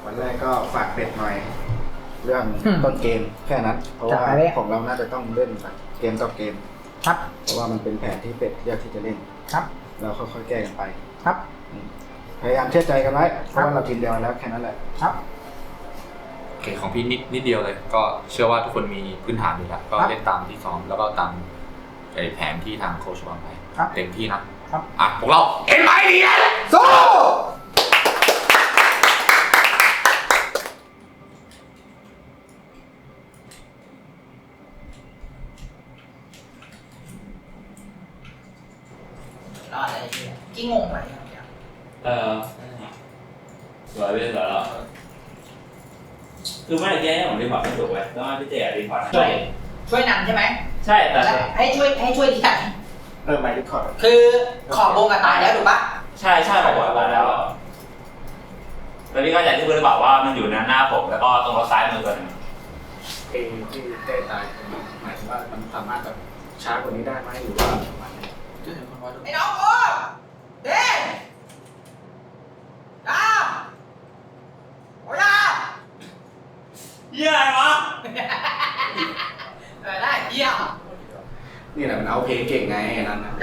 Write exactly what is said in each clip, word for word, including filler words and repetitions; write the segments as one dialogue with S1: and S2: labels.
S1: วันแรกก็ฝากเป็ดหน่อย เรื่องต้นเกมแค่นั้นเพราะว่าของเราน่าจะต้องเล่นแบบเกมต่อเกม
S2: ครับ
S1: เพราะว่ามันเป็นแผนที่เป็ดเลือกที่จะเล่น
S2: ครับ
S1: เราค่อยๆแก้กันไป
S2: ครับ
S1: พยายามเชื่อใจกันไว้เพราะว่าเราทีมเดียวแล้วแค่นั้นแหละ
S2: ครับ
S3: โอเคของพี่นิดนิดเดียวเลยก็เชื่อว่าทุกคนมีพื้นฐานอยู่แล้วก็เล่นตามที่ซ้อมแล้วก็ตามแผนที่ทางโค้ชวางไว้เต็มที่นะครับอ่ะพวกเราเอ็นไอดีเอสสู้
S2: รอดอะไรเนี่ยกี่งงไหม
S4: เออสวยไปสวยแล้วคือไม่ได้แก้ผมรีพอร์ตไม่ถูกเลยต้องให้พี่เจรีพอร์ต
S2: ช่วยช่วยนำใช่ไหม
S4: ใช่แต่
S2: ให้ช่วยให้ช่วยที่ไหน
S1: เออไม่รีคอร์ด
S2: คือขอบวงกับตายแล้วถูกปะ
S4: ใช่ใช่บอกว่าตายแล้วแล้วพี่ก็อยากที่เพื่อนบอกว่ามันอยู่หน้าหน้าผมแล้วก็ตรงรถซ้ายมือตัวนึง
S1: เอที่เต้ตายหมายถึงว่ามันสามารถแบบช้ากว่านี้ได้ไหมหรือว่าประมาณนี้
S2: ไอ้น้องโอ้เด้ดาวโอ้ยา
S4: เยี่ยอะไรวะ
S2: เออได้เยี่ย
S1: นี่แหละมันเอาเพลงเก่งไงนั่นนะ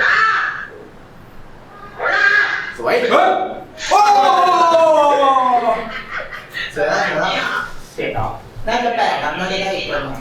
S1: สวยเฮ้ยโอ้เสร็จแล้วเสร็จแล้วเสร็จแล้ว
S2: น่าจะแปลกครับน่าจะได้อีกตัวนึง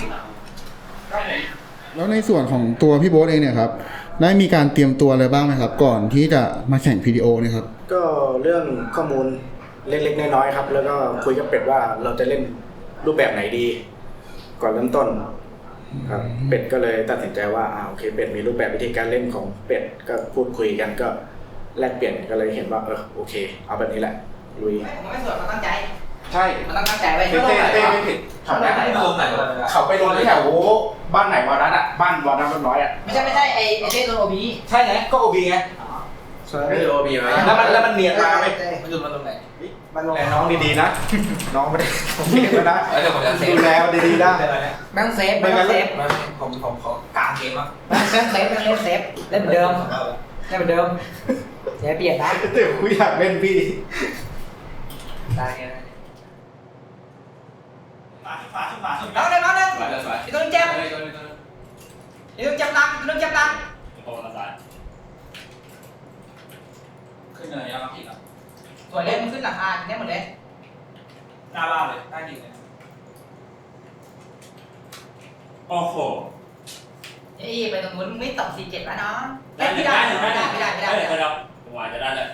S5: แล้วในส่วนของตัวพี่โบ๊ทเองเนี่ยครับได้มีการเตรียมตัวอะไรบ้างไหมครับก่อนที่จะมาแข่ง พี ดี โอ เนี่ยครับ
S1: ก็เรื่องข้อมูลเล็กๆน้อยๆครับแล้วก็คุยกับเป็ดว่าเราจะเล่นรูปแบบไหนดี ก่อนเริ่มต้นครับเป็ดก็เลยตัดสินใจว่าอ่าโอเคเป็ดมีรูปแบบวิธีการเล่นของเป็ดก็พูดคุยกันก็แลกเปลี่ยนก็เลยเห็นว่าเออโอเคเอาแบบนี้แหละลุย
S2: ผมไม่สวยมันตั้งใจ
S1: ใช่
S2: มันต้องตั้งใจไว้
S1: เต้เต้เต้ไม่ผิดเขาไปลงไหนเขาไปลงที่แถวบ้านไหนวอนัทอ่ะบ้านวอนัทน้อยอ่ะ
S2: ไม่ใช่ไม่ใช่ไอ้ไอ้เต้ตัวโอบี
S1: ใช่ไงก็โอบีไงไม่ใช่โอบีไหมแล้วมันแล้วมันเนียนมาไหม
S2: มันอยู่มันตรงไหน
S1: มันลงน้องดีๆนะน้องไม่ได้ผมเนียนนะดูแลดีๆนะ
S2: แม่งเซฟแม่งเซฟ
S1: ผมผมขอกลางเกมอ่ะ
S2: แม่งเซฟแม่งเล่นเซฟเล่นเหมือนเดิมเล่นเหมือนเดิมเสียเปลี่ยนนะ
S1: เดี๋ยวกูอยากเล่นพี่
S2: ได้ไงน้องหนึ่งน้องหนึ่งอีกตัวนึงเจ็บอีกตัวนึงเจ็บตังอีกตัวนึงเจ็บตัง
S4: ขึ้นเนินยังผิดอ่ะ
S2: ส่วนเล่นมันขึ้นหลังคาเนี่ยหมดเลย
S4: หน้าบ้านเลยใต้ดินเลยโอ้โห
S2: เฮ้ยไปตรงนู้นไม่ตกสี่เจ็ดแล้วเนาะ
S4: ได้ไม่ได้ไม่ได้
S2: ไม่ได้ไม่ได้
S4: ไม่ได้ไม่ได้ผมว่าจะได้เลย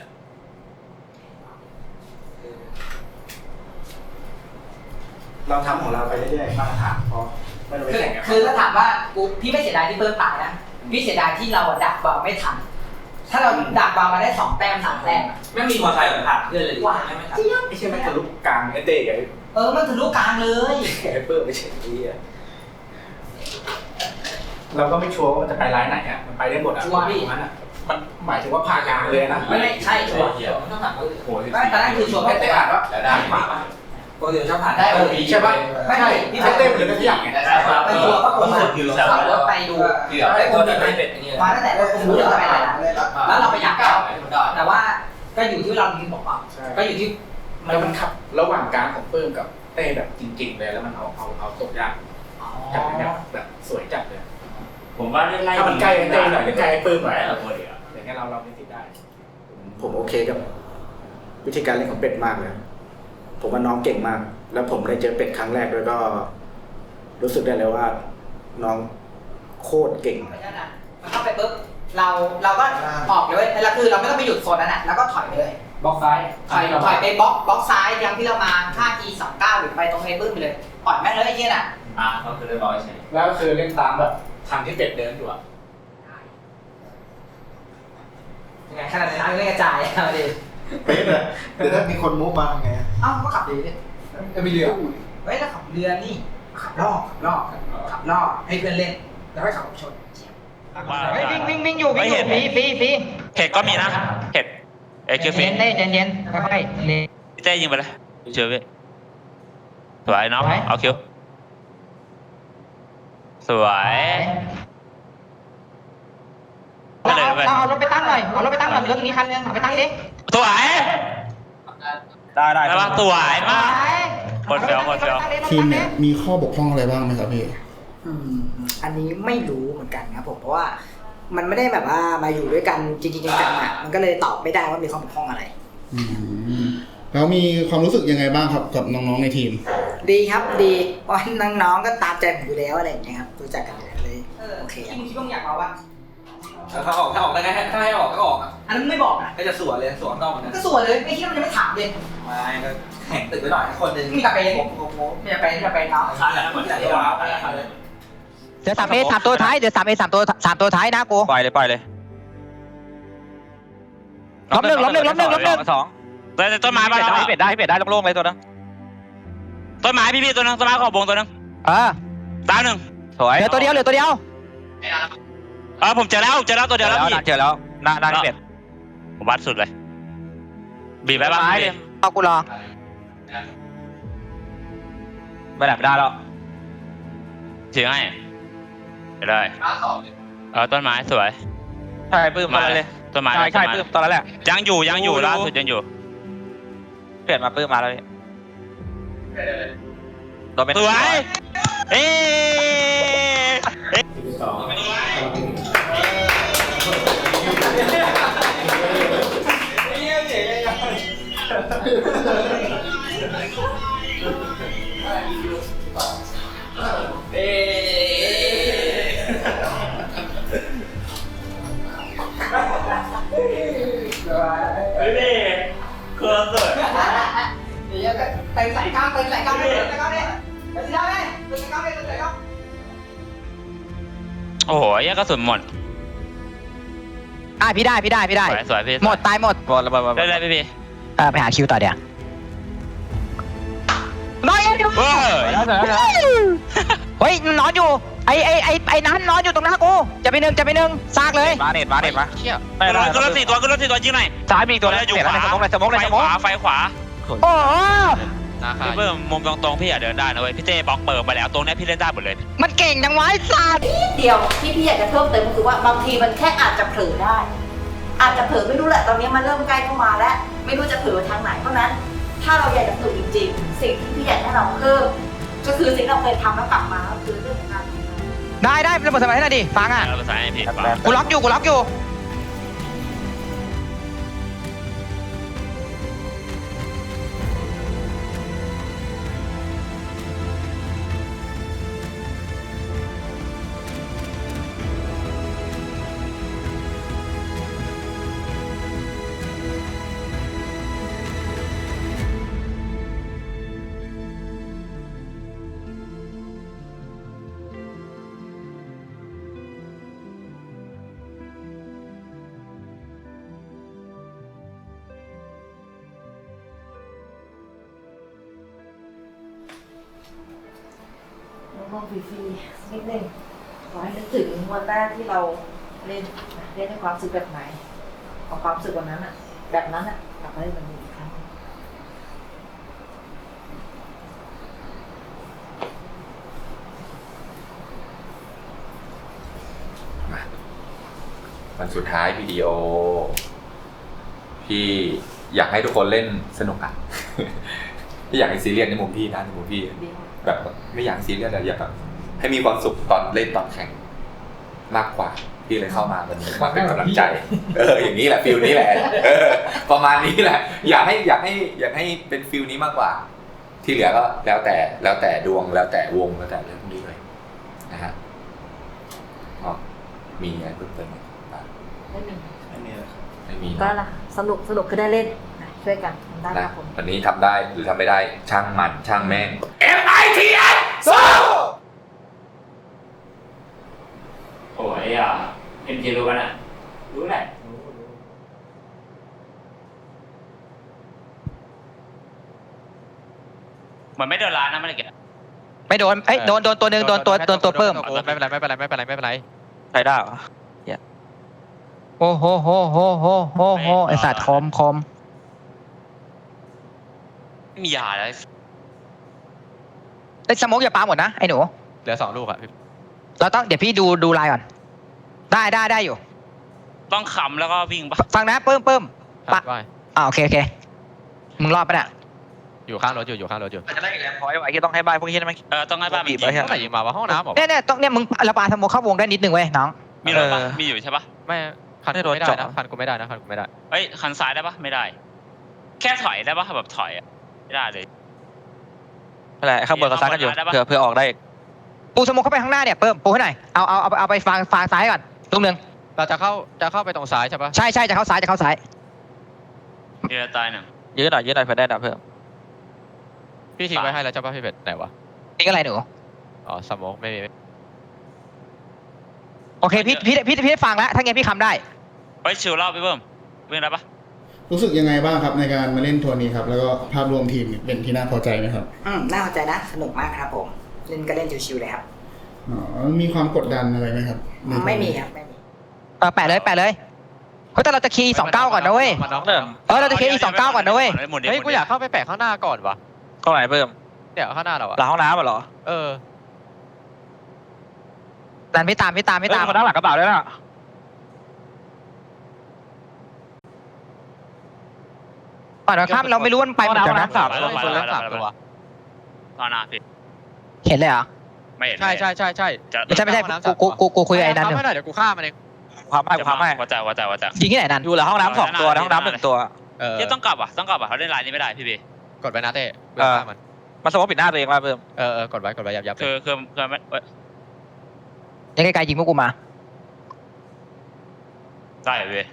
S1: เราทำของเราไปเรื่อยๆมาตรฐานพอไม่ต้องไปแข่งกัน
S2: คือถ้าถามว่ากูพี่ไม่เสียดายที่เพิ่มตายนะพี่เสียดายที่เราดักบอลไม่ทันถ้าเราดักบอลมาได้สองแต้มสามแต้ม
S4: ไม่มีมอเตอร์ไซค์ผ่านเพื่อนเลย
S2: ว่า
S4: ไม่
S2: ไม่
S1: ใช่ไม่ใช่ไม่ทะลุกลางไอ้เต้ไง
S2: เออมันทะลุกลางเลย
S1: ไอ้เปิ้ลไม่ใช่ที่อ่ะเราก็ไม่ชัวร์ว่ามันจะไปไลน์ไหนอ่ะมันไปได้หมดอ่ะ
S2: ชัวร์พี่
S1: มันอ่ะมันหมายถึงว่าผ่ากลางเลยนะ
S2: ไม่ไม่ใช่ชัวร์ต้องผ่านโอ้ยตอนนั้นคือชัวร์
S1: ไม่ได้อ่านว่า
S4: ได้
S1: ผ่า
S2: ปกติชอบผ่านได้
S1: โอบีใช่ป่ะไม่ใช่ที่เต้เหมือนกันทุกอย่างไง
S2: ไปชัวร์ก็ผมขับรถไปดู
S4: ไอ้ตัวนี้ไม่เป็น
S2: มาตั้งแต่เราคุมเรื่องไปแล้วแล้วเราไปอยากเข้าแต่ว่าก็อยู่ที่เราดึงบอกว่าก็อยู่ที่
S1: แล้วมันขับระหว่างกลางของเปิ้มกับเต้แบบจริงๆเลยแล้วมันเอาเอาเอาตกยากจับแบบแบบสวยจัดเลย
S4: ผมว่าได้ไล่
S1: ถ้ามันใกล้เต้หน่อยใกล้เปิ้มหน่อยเราตัวเดียวอย่างเงี้ยเราเราไม่ติดได้ผมโอเคกับวิธีการเล่นของเป็ดมากเลยผมว่าน้องเก่งมากแล้วผมได้เจอเป็ดครั้งแรกด้วยก็รู้สึกได้เลยว่าน้องโคตรเก่ง
S2: มันเข้าไปปุ๊บเราเราก็ออกเลยแล้วคือเราไม่ต้องไปหยุดโซนนั้นน่ะแล้วก็ถอยไปเลย
S1: บล็อกซ้าย
S2: ถอยถอยไปบล็อกบล็อกซ้ายยังที่เรามา ห้า จี สอง เก้า หรือไปตรงไอ้ปื้มไปเลยปล่อยแม่งเลยไอ้เหี้ยน่ะ
S4: อ่าก็คือเรียบร้อยใช่
S1: แล้วก็คือเล่นตามแบบทางที่เป็ดเดินอยู่อ่ะ
S2: ยังไงขนาดนั้นเล่นกระจายเอาดิ
S1: เป๊ะเลยเดี๋ยวถ้ามีคนมุกมาทำไง
S2: เอ้าก็ขับดีดิ
S1: จะมีเรือ
S2: เฮ้ยแล้วขับเรือนี่ขับล่อขับล่อขับล่อให้เพื่อนเล่นแล้วให้ขับชนเฮ้ยวิ่งวิ่งวิ่งอยู่วิ่งอยู่ฟรีฟรีฟรี
S4: เห็ดก็มีนะเห็ดเอคิวฟี
S2: เย็นเย็นเย็นค่อยๆเล่น
S4: เจ๊ยิงไปเลยเชื่อพี่สวยน้องเอาคิวสวย
S2: เราเอารถไปตั้งหน่อยเอารถไปตั้งหน่อยรถมีคันนึงเอาไปตั้งดิ
S4: สวย
S6: ได้ได้
S4: ได้ปะสวยมากคนเดียวคนเดียว
S5: ทีมเนี่ยมีข้อบกพร่องอะไรบ้างไหมครับพี่
S2: อืมอันนี้ไม่รู้เหมือนกันครับผมเพราะว่ามันไม่ได้แบบว่ามาอยู่ด้วยกันจริงๆจังๆอ่ะมันก็เลยตอบไม่ได้ว่ามีความบกพร่องอะไร
S5: อืมแล้วมีความรู้สึกยังไงบ้างครับกับน้องๆในทีม
S2: ดีครับดีเพราะน้องๆก็ตามใจผมอยู่แล้วอะไรอย่างเงี้ยครับรู้จักกันอยู่แล้วเลยโอเคที่มึงคิดว่ามึงอยากเอาวะ
S6: ถ้าออกถ้าออกได้ไงถ้าให้ออกก็ออก
S2: อันนั้นไม่บอกนะ
S6: ก็จะสวนเลยสวนนอกเหมือนกัน
S2: ก็สวยเลยไม่คิดว่ามันจะไม่ถามเลย
S6: ไม่ก็แข่งตึกไว้หน่อยคนหนึ่ง
S2: มีกลับไป
S6: ผมผมผม
S2: ไม่จะไปไม่จะไปเนาะ
S6: ขาดแล้วเหมือนกันว่าขาดเลย
S7: เดี๋ยวสามเอสามตัวท้ายเดี๋ยวสามเอสามตัวสามตัวท้ายนะกู
S6: ปล่อยเลยปล่อยเลย
S7: ล้มหนึ่งล้มหนึ่งล้มหนึ่งล้มหนึ่ง
S6: สอง
S4: แต่ต้นไม้
S6: เป็
S4: บ้าน
S6: ด
S4: เรา
S6: ได้เป็ดได้เป็ดได้โล่งๆเลยตัวนึง
S4: ต้นไม้พี่พี่ตัวนึงต้นไม้ขอบวงตัวนึง
S7: เออ
S4: ดาวหนึ่ง
S6: สวย
S7: เหลือตัวเดียวเหลือตัวเดียว
S4: เออผมเจอแล้วเจอแล้วตัวเดียวแล้วพี่
S6: เจอแล้วหน้าหน้าเป็ด
S4: ผมวัดสุดเลยบีบไปบ้าง
S6: ไม้เลย
S7: เอากูรอ
S6: ไม่ได้ไม่ได้แล้ว
S4: ถือให้ไปเลยเออต้นไม้สวย
S6: ใช่ปื้มมาเลย
S4: ต้นไม้
S6: ใช่ใช่ปื้มตอนนั้นแหละ
S4: ยังอยู่ยังอยู่ล่าสุดยังอยู่
S6: เปลี่ยนมาปื้มมาแล้วพี่โดนเป็น
S4: สวยเอ๊ะ พี่เคอร์เซอร์
S2: เดี๋ยวก็เต็มใส่กล้ามเต็มใส่กล้ามเลยเต็มใส่กล้ามเลยเต็มใส่กล้ามเลยเต็มใส่กล้ามเลยเต็มใส่กล้าม
S4: โอ้โหแยกกระสุนหมด
S7: อ่ะพี่ได้พี่ได้พี่ได้
S4: สวยสวยพี่
S7: หมดตายหมด
S6: บอลระเบิด
S4: ได้เลยพี่พี่
S7: เออไปหาคิวต่อเดี๋ยวน้อยอยู่
S4: เว้ย
S7: เฮ้ยนอนอยู่ไอไอไอไอนั้นนอนอยู่ตรงหน้ากูจะไปหนึ่งจะไปหนึ่งซากเลย
S6: มาเน็ตมาเน็ตมา
S7: เชี่ย
S6: ไม่
S4: ขึ้น
S6: ได้
S4: รถขึ้นรถสี่ตัวขึ้นรถสี่ตัวยิงหน่อย
S6: ซ้ายมีตัวนึง
S4: อยู่
S6: เน็ต
S4: ขวา
S6: ในสมองในสมองใน
S4: ไฟ
S6: ส
S4: ข
S6: มอง
S4: วาไฟขวา
S7: โอ้โห
S4: พี่เบิ้มมุมตรงๆพี่อย่าเดินได้นะเว้ยพี่เต้บล็อกเปิดไปแล้วตรงนี้พี่เล่นได้หมดเลย
S7: มันเก่งจังวะไอ้สัตว์
S8: เดียวที่พี่อยากจะเพิ่มเติมก็คือว่าบางทีมันแค่อาจจะเผลอได้ อาจจะเผลอไม่รู้แหละตอนนี้มันเริ่มใกล้เข้ามาแล้ว ไม่รู้จะเผลอทางไหนเพราะนั้น ถ้าเราอยากจะฝึกจริงๆ สิ่งที่พี่อยากให้เราเพิ่มก็คือสิ่งที่เราเคยทำแล้วกลับมาก็คือเรื่องของการทำงาน
S7: ได้ได้เป็นบทสมัยให้หน่อยดิฟังอ่ะ
S4: เราภาษาให้พี่ฟัง
S7: กูล็อกอยู่กูล็อกอยู่
S8: มองฟรีๆนิดนึงขอให้นึกถึงวันแรกที่เราเล่นเล่นในความรู้สึกแบบไหนเอาความรู้สึกวันนั้นอะแบบนั้นอะกลับมาเล่นแบบนี้อีกครั้ง
S3: วันสุดท้ายวิดีโอ พี่อยากให้ทุกคนเล่นสนุกอ่ะ พี่อยากให้ซีเรียสในมุมพี่นะในมุมพี่ แบบไม่อยากซีเรียสแต่อยากแบบให้มีความสุขตอนเล่นตอนแข่งมากกว่าพี่เลยเข้ามาวันนี้มาเป็นกำลังใจ เอออย่างนี้แหละฟิลนี้แหละเออประมาณนี้แหละ อยากให้อยากให้อยากให้เป็นฟิลนี้มากกว่า ที่เหลือก็แล้วแต่แล้วแต่ดวงแล้วแต่วงแล้วแต่เรื่องพวกนี้เลยนะฮะก็มีอะไรเพิ่มเติมไหม
S8: ไม่มี
S1: ไม่มีเลยครับ
S3: ไม่มี
S8: ก็
S3: เนาะ
S8: ละสนุกสนุกคือได้เล่นนะช่วยกันทำได้ค
S3: นะ
S8: รับผม
S3: วันนี้ทำได้หรือทำไม่ได้ช่างมันช่างแม่ง เอ็ม ไอ ที เอส สู้
S4: โอ้ยอ่ะเอ็มจีรู้กันอ่ะรู้แหละเหมือนไม่เดินร้านนะไม่ได้เก็บ
S7: ไม่โดนเอ้ยโดนโดนตัวหนึ่งโดนตัวโดนตัวเพิ่ม
S6: ไม่เป็นไรไม่เป็นไรไม่เป็นไรไม่เป็นไรใช้ได้เหรอ
S7: โอ้โหโหโหโหโหโหไอสัตว์คอมคอม
S4: ไม่มียาเลย
S7: ไอสโมกอย่าปาหมดนะไอหนู
S6: เหลือสองลูกอะพี่
S7: เราต้องเดี๋ยวพี่ดูดูลายก่อนได้ได้ได้อยู่
S4: ต้องขำแล้วก็วิ่งปะ
S7: ฟังนะเพิ่มเพิ่มปะ
S6: ว่า
S7: อ่าโอเคโอเคมึงรอดปะเนี่ย
S6: อยู่ข้างรถอยู่อยู่ข้างรถอยู่
S7: จะได้อีกแล้วพอยไอ้ที่ต้องให้บ้านพวกนี้ได้ไหม
S4: เออต้องให้บ้านมัน
S7: บี
S4: ยิ
S7: บ
S4: ง
S7: ไว้
S6: เมื่อไหร่ยิงมาวะห้องน้ำเหรอ
S7: เนี่ยเนี่ยต้องเนี่ยมึงระบายสโมเข้าวงได้นิดนึงเว้ยน้อง
S4: มีรถปะ
S7: เออ
S4: มีอยู่ใช่ปะ
S6: ไม่คันกูไม่ได้นะคันกูไม่ได้นะคันกูไม่ได้
S4: เอ้ยคันซ้ายได้ปะไม่ได้ แค่ถอยได้ปะแบบถอยอะไม่ได้เลย
S7: อะไรข้างบนกับซ้ายกันอยู่
S4: ได้ปะ
S7: เผื่อเผื่อออกได้อีกปูสโมเข้าไปข้างหน้าเนี่ยเพิ่มปูให้หน่อยเอาเอาเอาเอาไปฟางฟางซ้ายก่อนลูกหนึ่ง
S6: เราจะเข้าจะเข้าไปตรงซ้ายใช่ปะ
S7: ใช่ใช่จะเข้าซ้ายจะเข้าซ้าย
S4: มีรถตายหนึ่ง
S7: ยืดหน่อยยืดหน่อยเผื่อได้ดับเพิ่ม
S6: พี่ทิ้งไว้ให้แล้วใช่ปะพี่เป็ดไหนวะ
S7: นี่ก็อะไรหนู
S6: อ๋อสโมกไม่มี
S7: โอเคพี่พี่พี่พี่ได้ฟังแล้วถ้างั้นพี่คำได้
S4: เฮ้ยชิวเล่าไปเพิ่มวิ่งได้ปะ
S5: รู้สึกยังไงบ้างครับในการมาเล่นทัวร์นี้ครับแล้วก็ภาพรวมทีมเป็นที่น่าพอใจไหมครับ
S2: อืมน่าสนใจนะสนุกมากครับผมเล่นก็เล่นชิวๆเลยครับ
S5: อ๋อมีความกดดันอะไรไหมครับในทัวร์นี้
S2: ไม่มีครับไม่มี
S7: เออแปะเลยแปะเลยเฮ้ยแต่เราจะคีย์สองเก้าก่อนนะเว้ย
S6: มาน้องเริ่ม
S7: เออเราจะคีย์สองเก้าก่อนนะเว้ย
S4: หมุนดิ
S6: เฮ้ย
S4: หมุน
S6: กู
S4: ดิ
S6: อยากเข้าไปแปะข้างหน้าก่อนวะ
S7: ตรงไหนเพิ่ม
S6: เดี๋ยวข้างหน้าเราอะ
S7: หลังห้องน้ำเหรอ
S6: เออ
S7: ดันไม่ตามไม่ตามไม่ตามคนด้านหลังกระเป๋าด้วยนะก่อนเราข้ามเราไม่รู้ว่ามันไปเหมือนกันนะ
S6: สามตัวคนละสามตัว
S4: ตอนหน้าพี่
S7: เห็นเลยเหรอ
S4: ไม่เห็น
S6: ใช่ใช่ใช่ใช่
S4: จะ
S7: ไม่ใช่ไม่ใช่กูกูกูกูคุยกับไอ้นั่นอยู่
S6: ไม่ได้เดี๋ยวกูฆ่ามันเอง
S7: ความให้ความให้
S4: ว่าแต่ว่าแต่ว่าแต่
S7: ยิงที่ไหนนั่นอยู่หลังห้องน้ำสองตัวในห้องน้ำหนึ่งตัว
S6: เออ
S4: เฮ้ยต้องกลับอ่ะต้องกลับอ่ะเขาเล่นไลน์นี้ไม่ได้พี่บี
S6: กดไว้นะเต้
S7: เออ
S6: ฆ่ามัน
S7: มาสมมติปิดหน้าตัวเองมาเพิ่ม
S6: เออเออกดไว้กดไว้ยับยับ
S4: คือคือคือไม่เอ้ย
S7: ยังไกลๆยิงพวกกูมา
S4: ได้เหรอพี่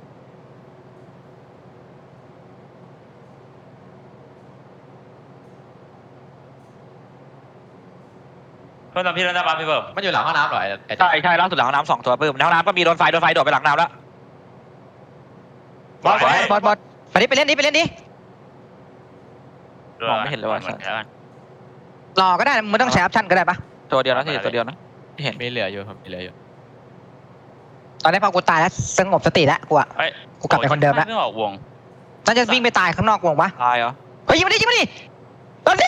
S4: เพิ่มตามพี่เล่นได้ปะพี่เพิ่ม
S6: มันอยู่หลังห้องน้ำเหรอไอ้ไอ้
S7: ใช่ใช่ล่าสุดหลังห้องน้ำสองตัวเพิ่มในห้องน้ำก็มีโดนไฟโดนไฟโดดไปหลังน้ำแล้วบอสบอสบอสไปดิไปเล่นดิไปเล่นดิ มองไม่เห็นเลยว่ะ
S4: หมือนกัน
S7: รอก็ได้นะมึงไม่ต้องใช้ออปชั่นก็ได้ปะตัวเดียวนะที่ตัวเดียวนะที่เห็น
S6: มีเหลืออยู่ครับมีเหลืออยู่
S7: ตอนนี้พอกูตายแล้วสงบสติแล้วกูอะ
S4: เฮ้ย
S7: กูกลับไปคนเดิมแล้ว
S4: ไม่ออกวง
S7: น่าจะวิ่งไปตายข้างนอกวงปะตายเหรอเฮ้ยยิงมาดิยิงมาดิโดนดิ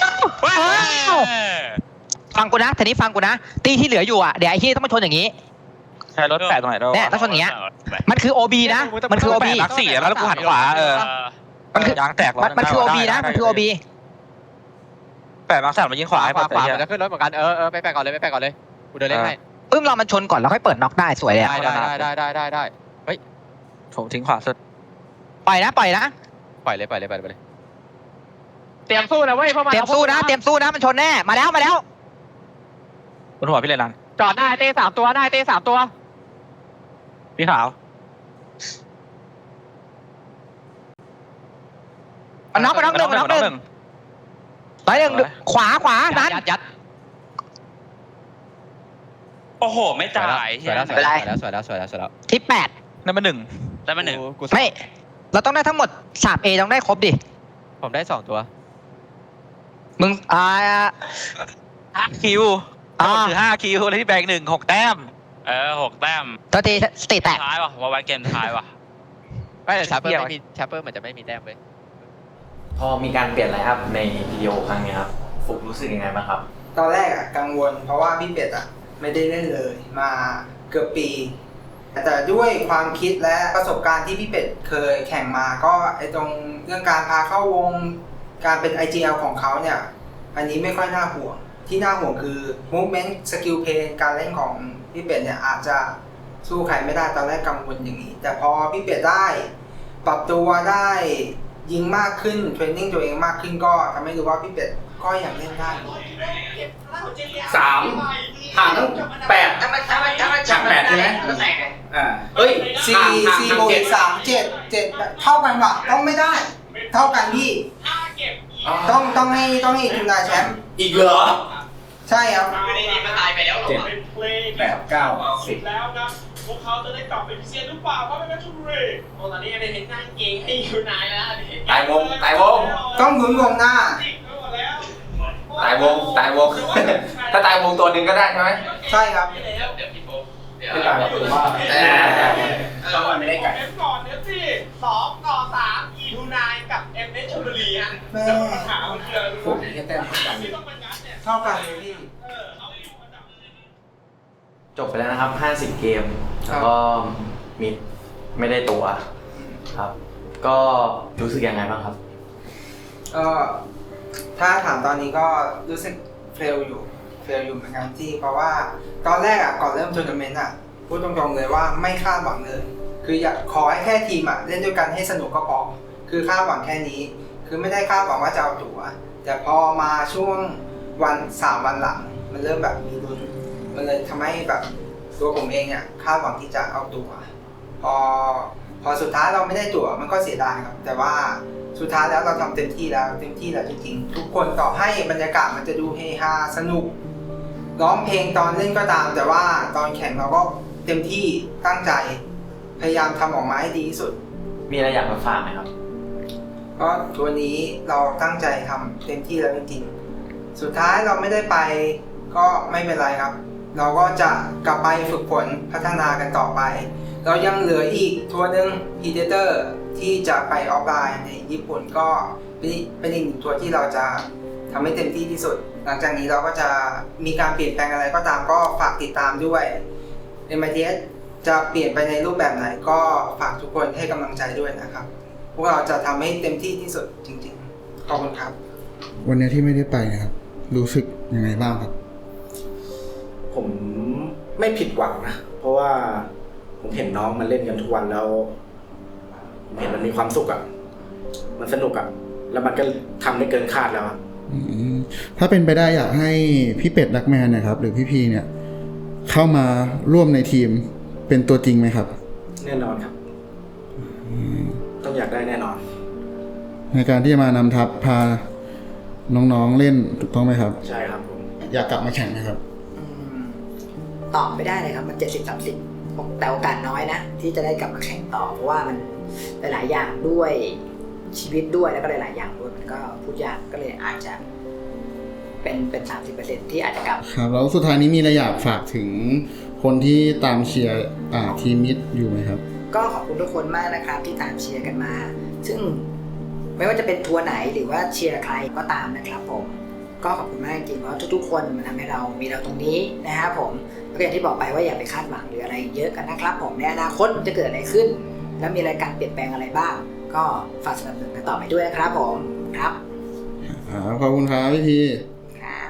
S7: ฟังกูนะทีนี้ฟังกูนะตีที่เหลืออยู่อ่ะเดี๋ยวไอ้ที่ต้องมาชนอย่างนี้
S9: ใช้รถแปะตรงไหนด้วย
S7: เนี่ยต้องชนอย่างเงี้ยมันคือ โอ บี นะมันคือ โอ บี
S9: รักสี่แล้วกูหันขวาเออ
S7: มันคือย
S9: างแตก
S7: มันมันคือ โอ บี นะมันคือ โอ บี
S9: แปะมาร์คสามมายิงขวาให้
S6: ขวา
S9: ปะ
S6: ขวามันจะขึ้นรถเหมือนกันเออเออไปแปะก่อนเลยไปแปะก่อนเลยกูเดินเล่นให้
S7: ปึ้มรอมันชนก่อนแล้วค่อยเปิดน็อกได้สวยเลย
S6: ได้ได้ได้ได้ได้ได้
S9: ผมทิ้งขวาสุด
S7: ปล่อยนะปล่อยนะ
S6: ปล่อยเลยปล่อยเลยปล่อยเลยเตรียมสู้นะเว้ยพวกมัน
S7: เตรียมสู้นะเตรียมสู้นะมันชนแน่มาแล้วมาแล้ว
S9: บนหัวพี่เลยนัน
S6: จอดได้เต้สามตัวได้เต้สามตัว
S9: พี่ขาว
S7: มันน็อกมันน็อกหนึ่งมันน็อกหนึ่งร้อยหนึ่งขวาขวานั้น
S6: ยัดยัด
S4: โอ้โหไม่ตาย
S6: สวยแล้วสวยแล้วสวยแล้วสวยแล้วสวยแล้ว
S7: ที่แปด
S9: นั่นมันหนึ่ง
S4: ได้มาหนึ่ง
S6: กู
S7: ไม่เราต้องได้ทั้งหมดสามเอต้องได้ครบดิ
S6: ผมได้สองตัว
S7: มึงอ่า
S9: ห้าคิว
S7: อ่า
S9: คือห้าคิวแล้วที่แบงหนึ่งหกแต้ม
S4: เออหกแต้ม
S7: ตัวทีสติแตก
S4: ท้ายว่ะผมว่าไว้เกมท้ายว่ะ
S6: ไม่แต่ชาเปอร์ไม่มีชาเปอร์เหมือนจะไม่มีแต้มเลย
S10: พอมีการเปลี่ยนไลน์อัพในวิดีโอครั้งนี้ครับฟุกรู้สึกยังไงบ้างครับ
S2: ตอนแรกอะกังวลเพราะว่าพี่เป็ดอะไม่ได้เล่นเลยมาเกือบปี แต่ด้วยความคิดและประสบการณ์ที่พี่เป็ดเคยแข่งมาก็ไอตรงเรื่องการพาเข้าวงการเป็น ไอ จี แอล ของเขาเนี่ยอันนี้ไม่ค่อยน่าห่วงที่น่าห่วงคือ movement skill play การเล่นของพี่เป็ดเนี่ยอาจจะสู้ใครไม่ได้ตอนแรกกังวลอย่างนี้ แต่พอพี่เป็ดได้ปรับตัวได้ยิงมากขึ้นเทรนนิ่งตัวเองมากขึ้นก็ทำให้รู้ว่าพี่เป็ดก็ยังเล่นได้
S1: สามห่างตั้งแปดจากแปดใช่ไหมอ่าเอ้ย
S2: สี่
S1: ห่างห่าง
S2: สี่
S1: ห่าง
S2: บวก
S1: เจ็ด
S2: สามเจ็ดเจ็ดเท่ากันว่ะต้องไม่ได้ เท่ากันพี่ต้องต้องให้ต้องให้ทีมงานแชมป์
S1: อีกเหรอ
S2: ใช่ครับ
S1: เจ็ดแปดเก้าสิบ
S11: แล้วครับพวกเขาจะได้กลับไปพิเศษหรือเปล่าเพราะไม่เป็นชุบรีโอ้ตอนนี้ไม่เห็นหน้าเก่งให้อยู่นายแล้ว
S1: ตายวงตายวง
S2: ต้องหมุนวงหน้า
S1: ตายวงตายวง ถ้าตายวงตัวหนึ่งก็ได้ใช่ไหม
S2: ใช่ครับ
S1: ไม่ตายหรอกผมว่าเราไม่ได้ไก่
S11: เอฟก่อนเอฟสี่สองต่อสามอีทูนายกับเอ็มเอชชลบุรีฮะ
S2: แม่
S11: แล้วปัญหามันคืออะไรรู้
S1: ผม
S11: ไหม
S1: แค่แต้มเท่ากัน
S11: ที่ต้องมายัดเนี่ย
S2: เท่ากันเลยพี่
S11: เออเอาอยู่อันดับ
S10: จบไปแล้วนะครับห้าสิบเกมแล้วก็มิดไม่ได้ตัวครับ ก็รู้สึกยังไงบ้างครับ
S2: ก็ถ้าถามตอนนี้ก็รู้สึกเฟลอยู่เฟลอยู่เหมือนกันที่เพราะว่าตอนแรกอ่ะก่อนเริ่มทัวร์นาเมนต์อ่ะพูดตรงๆเลยว่าไม่คาดหวังเลย คืออยากขอให้แค่ทีมอ่ะเล่นด้วยกันให้สนุกก็พอคือคาดหวังแค่นี้ คือไม่ได้คาดหวังว่าจะเอาตั๋วแต่พอมาช่วงวันสามวันหลังมันเริ่มแบบมีลุ้นมันเลยทำให้แบบตัวผมเองอ่ะคาดหวังที่จะเอาตั๋วพอพอสุดท้ายเราไม่ได้ตั๋วมันก็เสียดายครับแต่ว่าสุดท้ายแล้วเราทำเต็มที่แล้วเต็มที่แล้วจริงๆทุกคนต่อให้บรรยากาศมันจะดูเฮฮาสนุกร้องเพลงตอนเล่นก็ตามแต่ว่าตอนแข่งเราก็เต็มที่ตั้งใจพยายามทำออกมาให้ดีที่สุด
S10: มีอะไรอยากมาฝากไหมครับ
S2: ก็ตัวนี้เราตั้งใจทำเต็มที่แล้วจริงๆสุดท้ายเราไม่ได้ไปก็ไม่เป็นไรครับเราก็จะกลับไปฝึกฝนพัฒนากันต่อไปเรายังเหลืออีกทัวร์หนึ่ง Predator ที่จะไปออฟไลน์ในญี่ปุ่นก็เป็นอีกหนึ่งทัวร์ที่เราจะทำให้เต็มที่ที่สุดหลังจากนี้เราก็จะมีการเปลี่ยนแปลงอะไรก็ตามก็ฝากติดตามด้วย เอ็ม ไอ ที เอส จะเปลี่ยนไปในรูปแบบไหนก็ฝากทุกคนให้กำลังใจด้วยนะครับพวกเราจะทำให้เต็มที่ที่สุดจริงๆขอบคุณครับ
S5: วันนี้ที่ไม่ได้ไปนะครับรู้สึกยังไงบ้างครับ
S1: ผมไม่ผิดหวังนะเพราะว่าผมเห็นน้องมันเล่นกันทุกวันแล้วผมเห็นมันมีความสุขอะ่ะมันสนุกอะ่ะแล้วมันก็ทำได้เกินคาดแล้วอะ
S5: อืมถ้าเป็นไปได้อยากให้พี่เป็ดดักแมนนะครับหรือพี่พีเนี่ยเข้ามาร่วมในทีมเป็นตัวจริงไหมครับ
S1: แน่นอนครับต้องอยากได้แน่นอน
S5: ในการที่จะมานำทัพพาน้องๆเล่นถูกต้องไหมครับ
S1: ใช่ครับผม
S5: อยากกลับมาแข่งนะครับ
S12: ตอบไม่ได้เลยครับมันเจ็ดสิบสามสิบแต่โอกาสน้อยนะที่จะได้กลับมาแข่งต่อเพราะว่ามันหลายๆอย่างด้วยชีวิตด้วยแล้วก็หลายๆอย่างด้วยมันก็พูดยากก็เลยอาจจะเป็นเป็นสามสิบเปอร์เซ็นต์ที่อาจจะกลับ
S5: ครับแล้วสุดท้ายนี้มีอะไรอยากฝากถึงคนที่ตามเชียร์อ่าทีมมิดอยู่ไหมครับ
S12: ก็ขอบคุณทุกคนมากนะครับที่ตามเชียร์กันมาซึ่งไม่ว่าจะเป็นทัวร์ไหนหรือว่าเชียร์ใครก็ตามนะครับผมก็ขอบคุณมากจริงๆเพราะทุกๆคนมันทำให้เรามีเราตรงนี้นะครับผมก็อย่างที่บอกไปว่าอย่าไปคาดหวังหรืออะไรเยอะกันนะครับผมในอนาคตจะเกิดอะไรขึ้นแล้วมีอะไรการเปลี่ยนแปลงอะไรบ้างก็ฝากสนับสนุนกันต่อไปด้วยนะครับผมครับ
S5: ขอบคุณครับพี่พี
S12: ครับ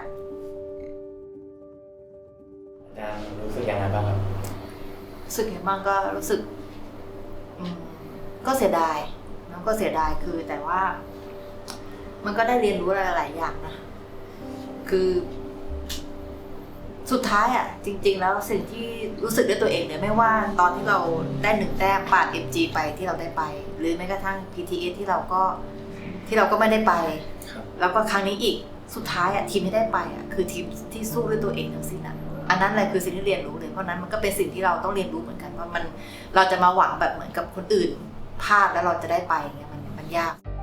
S10: อาจารย์รู้สึกยังไงบ้างครับ
S8: รู้สึกยังไงบ้างก็รู้สึกก็เสียดายแล้วก็เสียดายคือแต่ว่า มันก็ได้เรียนรู้อะไรหลายอย่างนะคือสุดท้ายอ่ะจริงๆแล้วสิ่งที่รู้สึกด้วยตัวเองเนี่ยไม่ว่าตอนที่เราได้หนึ่งแต้มปาด เอ็ม จี ไปที่เราได้ไปหรือแม้กระทั่ง พี ที เอส ที่เราก็ที่เราก็ไม่ได้ไปแล้วก็ครั้งนี้อีกสุดท้ายอ่ะทีมที่ได้ไปอ่ะคือทีมที่สู้ด้วยตัวเองทั้งสิ้นอ่ะอันนั้นแหละคือสิ่งที่เรียนรู้เลยเพราะนั้นมันก็เป็นสิ่งที่เราต้องเรียนรู้เหมือนกันว่ามันเราจะมาหวังแบบเหมือนกับคนอื่นพลาดแล้วเราจะได้ไปเงี้ยมันมันยาก